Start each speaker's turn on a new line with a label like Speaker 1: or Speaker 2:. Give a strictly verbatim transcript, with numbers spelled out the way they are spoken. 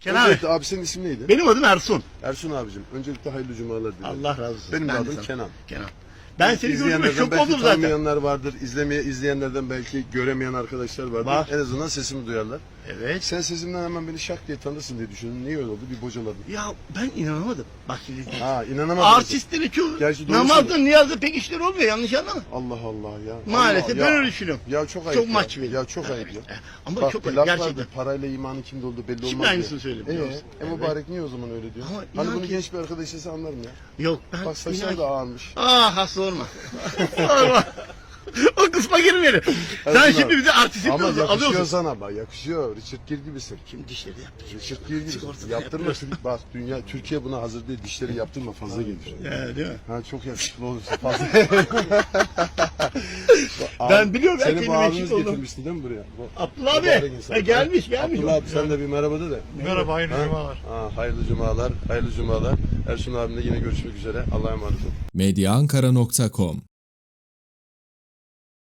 Speaker 1: Kenan abi.
Speaker 2: Öncelikle abi senin ismin neydi?
Speaker 1: Benim adım Ersun.
Speaker 2: Ersun abicim. Öncelikle hayırlı cumalar dilerim.
Speaker 1: Allah razı olsun.
Speaker 2: Benim de
Speaker 1: Ben
Speaker 2: adım
Speaker 1: sana-
Speaker 2: Kenan.
Speaker 1: Kenan. Ben seni gördüm
Speaker 2: İzleyenlerden
Speaker 1: şok
Speaker 2: belki
Speaker 1: oldum zaten.
Speaker 2: tanımayanlar vardır. İzlemeye izleyenlerden belki göremeyen arkadaşlar vardır.
Speaker 1: Var.
Speaker 2: En azından sesimi duyarlar.
Speaker 1: Evet.
Speaker 2: Sen sesimden hemen beni şak diye tanırsın diye düşündüm. Niye öyle oldu? Bir bocaladın.
Speaker 1: Ya ben inanamadım. Bak şimdi.
Speaker 2: Ha inanamadım.
Speaker 1: Artistlerin çoğu
Speaker 2: Gerçi doğru
Speaker 1: namazda
Speaker 2: söylüyorsun.
Speaker 1: niyazda pek işler olmuyor, yanlış anlama.
Speaker 2: Allah Allah ya.
Speaker 1: Maalesef
Speaker 2: Allah,
Speaker 1: ben
Speaker 2: ya.
Speaker 1: öyle düşünüyorum.
Speaker 2: Ya çok ayıp
Speaker 1: Çok
Speaker 2: ya.
Speaker 1: maç veriyor.
Speaker 2: Ya çok ayıp ya.
Speaker 1: Ama
Speaker 2: Bak
Speaker 1: çok
Speaker 2: bir
Speaker 1: ayıp
Speaker 2: laf
Speaker 1: gerçekten.
Speaker 2: vardır, parayla imanın kimde olduğu belli olmaz.
Speaker 1: Şimdi
Speaker 2: diye.
Speaker 1: aynısını söylüyor, biliyor
Speaker 2: Ee,
Speaker 1: musun?
Speaker 2: e mübarek niye o zaman öyle diyor?
Speaker 1: Ama
Speaker 2: Hani
Speaker 1: inan
Speaker 2: bunu
Speaker 1: ki-
Speaker 2: genç bir arkadaş ise anlarım ya.
Speaker 1: Yok ben
Speaker 2: Bak saçlar
Speaker 1: inan-
Speaker 2: da ağarmış.
Speaker 1: Ah hasta olma. Sorma. O kısma girmeyelim. Sen
Speaker 2: Ersun
Speaker 1: şimdi
Speaker 2: abi.
Speaker 1: bize artistik
Speaker 2: Ama
Speaker 1: alıyorsun.
Speaker 2: yakışıyor sana bak yakışıyor. Richard Gere gibisin.
Speaker 1: Şimdi dişleri yaptı.
Speaker 2: Richard Gere gibisin.
Speaker 1: Sigortadan
Speaker 2: Yaptırma. Bak dünya Türkiye buna hazır değil. Dişleri yaptırma fazla gelir.
Speaker 1: Ya, değil mi?
Speaker 2: Ha çok yakışıklı olursun fazla.
Speaker 1: Ben biliyorum, ben
Speaker 2: Seni bu
Speaker 1: kendime
Speaker 2: abimiz
Speaker 1: eşit oldum.
Speaker 2: getirmişti değil mi buraya? Bu-
Speaker 1: Abdullah
Speaker 2: mübarek
Speaker 1: abi.
Speaker 2: insan.
Speaker 1: Ha, gelmiş gelmiş.
Speaker 2: Abdullah abi sen de bir merhaba de de.
Speaker 3: Merhaba, hayırlı
Speaker 2: Ha?
Speaker 3: cumalar.
Speaker 2: Ha, hayırlı cumalar, hayırlı cumalar. Ersun abimle yine görüşmek üzere. Allah'a emanet olun.
Speaker 4: medya ankara nokta com